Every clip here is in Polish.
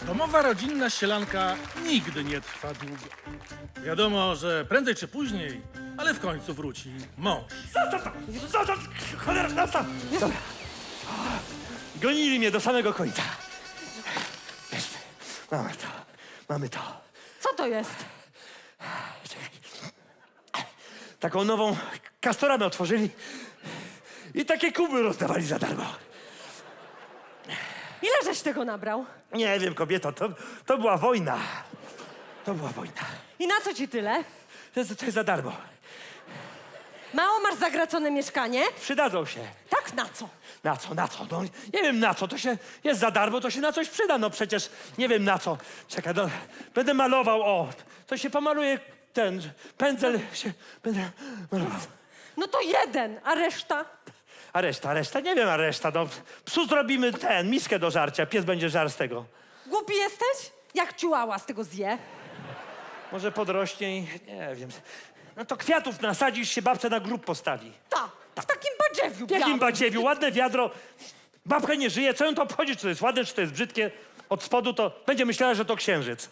Domowa, rodzinna ścielanka nigdy nie trwa długo. Wiadomo, że prędzej czy później, ale w końcu wróci mąż. Zostaw! Cholera, zostaw! Dobra. Gonili mnie do samego końca. Jest. Mamy to. Mamy to. Co to jest? Czekaj. Taką nową kastoramę otworzyli i takie kuby rozdawali za darmo. Ile żeś tego nabrał? Nie wiem, kobieto, to była wojna. To była wojna. I na co ci tyle? To jest za darmo. Mało masz zagracone mieszkanie? Przydadzą się. Tak, na co? Na co, na co? No, nie wiem na co, to się jest za darmo, to się na coś przyda, no przecież nie wiem na co. Czekaj, no, będę malował, o, to się pomaluje ten pędzel się, będę malował. No to jeden, a reszta? A reszta, nie wiem, a reszta, no, psu zrobimy miskę do żarcia, pies będzie żar z tego. Głupi jesteś? Jak ciułała z tego zje? Może podrośnie i, nie wiem. No to kwiatów nasadzisz, się babce na grób postawi. Ta, w takim badziewiu W jakim białym. badziewiu, ładne wiadro, babka nie żyje, co ją to obchodzi, czy to jest ładne, czy to jest brzydkie. Od spodu to będzie myślała, że to księżyc.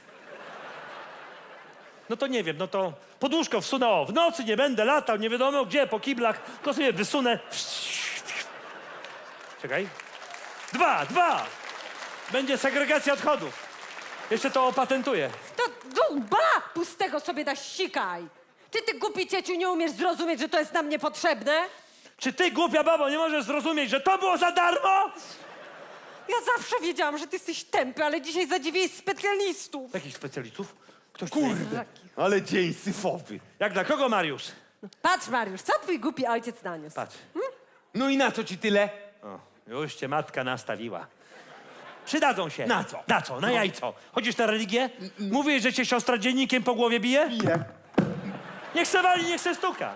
No to nie wiem, no to poduszko wsunę, o, w nocy nie będę latał, nie wiadomo gdzie, po kiblach, tylko sobie wysunę. Czekaj. Dwa! Będzie segregacja odchodów. Jeszcze to opatentuję. To dżumba! Pustego sobie da sikaj. Czy ty, głupi cieciu, nie umiesz zrozumieć, że to jest nam niepotrzebne? Czy ty, głupia babo, nie możesz zrozumieć, że to było za darmo? Ja zawsze wiedziałam, że ty jesteś tępy, ale dzisiaj zadziwiłeś specjalistów. Jakich specjalistów? Ktoś Kurde, ale dzień syfowy. Jak dla kogo, Mariusz? Patrz, Mariusz, co twój głupi ojciec naniósł? Patrz. No i na co ci tyle? O, już cię matka nastawiła. Przydadzą się. Na co? Na co? Na jajco. Chodzisz na religię? Mówisz, że cię siostra dziennikiem po głowie bije? Bije. Niech se wali, niech se stuka.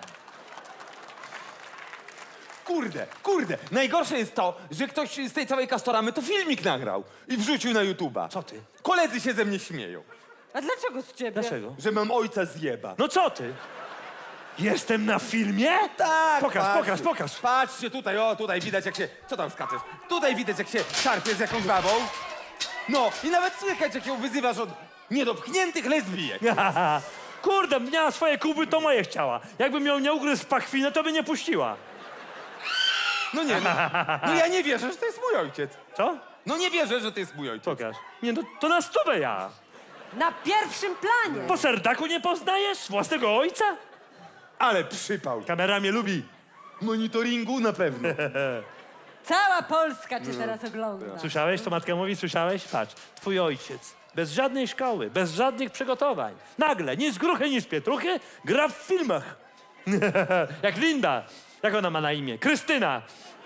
Kurde. Najgorsze jest to, że ktoś z tej całej kastoramy to filmik nagrał i wrzucił na YouTube'a. Co ty? Koledzy się ze mnie śmieją, A dlaczego z ciebie? Dlaczego? że mam ojca zjeba. No co ty? Jestem na filmie? Tak, Pokaż. Patrzcie tutaj, o, tutaj widać jak się... Co tam skaczesz? Tutaj widać jak się szarpie z jakąś babą. No, i nawet słychać jak ją wyzywasz od niedopchniętych lesbijek. Kurde, miała swoje kuby, to moje chciała. Jakbym ją nie ugryzł w pachwinę, to by nie puściła. No nie, no ja nie wierzę, że to jest mój ojciec. Co? No nie wierzę, że to jest mój ojciec. Pokaż. Nie, no to na stówę ja. Na pierwszym planie. Po serdaku nie poznajesz własnego ojca? Ale przypał. Kamera mnie lubi. Monitoringu na pewno. Cała Polska cię teraz ogląda. Słyszałeś, co matka mówi? Słyszałeś? Patrz, twój ojciec, bez żadnej szkoły, bez żadnych przygotowań, nagle, ni z gruchy, ni z pietruchy, gra w filmach. Jak Linda. Jak ona ma na imię? Krystyna.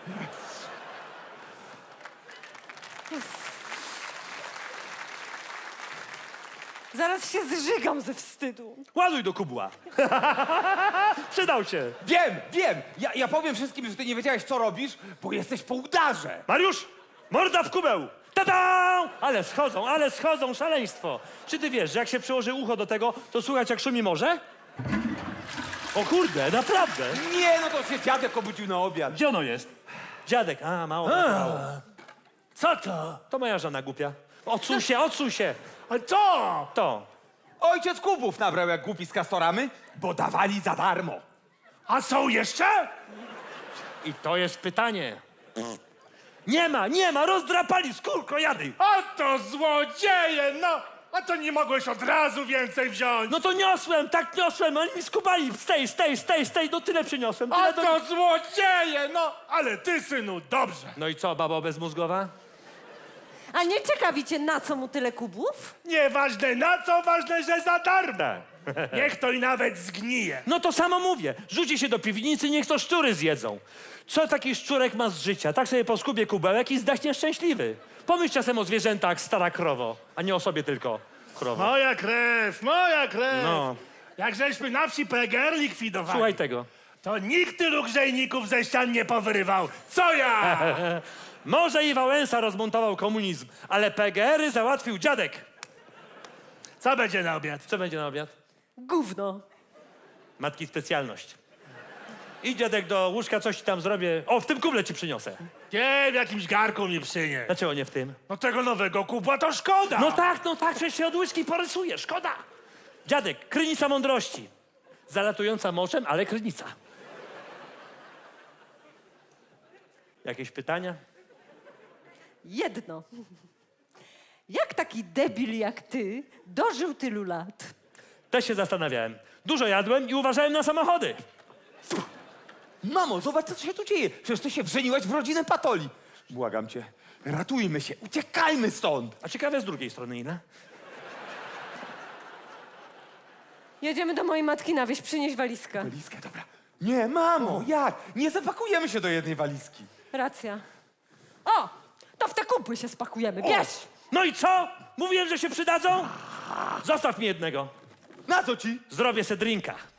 Zaraz się zżygam ze wstydu. Ładuj do kubła. Przydał się. Wiem. Ja powiem wszystkim, że ty nie wiedziałeś, co robisz, bo jesteś po udarze. Mariusz, morda w kubeł. Ta-da! Ale schodzą, szaleństwo. Czy ty wiesz, że jak się przyłoży ucho do tego, to słychać jak szumi morze? O kurde, naprawdę. Nie, no to się dziadek obudził na obiad. Gdzie ono jest? Dziadek, mało. Co to? To moja żona głupia. Odsuń się. A co? To. Ojciec kubów nabrał jak głupi z kastoramy, bo dawali za darmo. A są jeszcze? I to jest pytanie. Nie ma, rozdrapali skórko, jady. A to złodzieje, no! A to nie mogłeś od razu więcej wziąć? No to niosłem, oni mi skubali. Stej, no tyle przyniosłem. A Tyle to złodzieje, no! Ale ty, synu, dobrze. No i co, babo bezmózgowa? A nie ciekawi cię, na co mu tyle kubów? Nieważne na co, ważne, że za darmo. Tak. Niech to i nawet zgnije. No to samo mówię. Rzuci się do piwnicy, niech to szczury zjedzą. Co taki szczurek ma z życia? Tak sobie poskubie kubełek i zdachnie szczęśliwy. Pomyśl czasem o zwierzętach, stara krowo, a nie o sobie tylko, krowo. Moja krew. No. Jak żeśmy na wsi PGR likwidowali, Słuchaj tego. to nikt tylu grzejników ze ścian nie powyrywał. Co ja? Może i Wałęsa rozmontował komunizm, ale PGR-y załatwił dziadek. Co będzie na obiad? Co będzie na obiad? Gówno. Matki specjalność. Idź, dziadek, do łóżka, coś ci tam zrobię. O, w tym kuble ci przyniosę. Nie, w jakimś garku mi przynieś. Dlaczego nie w tym? No tego nowego kubła to szkoda. No tak, przecież się od łyżki porysuje, szkoda. Dziadek, krynica mądrości. Zalatująca moczem, ale krynica. Jakieś pytania? Jedno. Jak taki debil jak ty dożył tylu lat? Też się zastanawiałem. Dużo jadłem i uważałem na samochody. Mamo, zobacz, co się tu dzieje. Przecież ty się wrzeniłaś w rodzinę Patoli. Błagam cię, ratujmy się, uciekajmy stąd. A ciekawe z drugiej strony, Ina. Jedziemy do mojej matki na wieś, przynieś walizkę. Walizkę, dobra. Nie, mamo, jak? Nie zapakujemy się do jednej walizki. Racja. O, to w te kupy się spakujemy, bierz! No i co? Mówiłem, że się przydadzą? Zostaw mi jednego. Na co ci? Zrobię se drinka.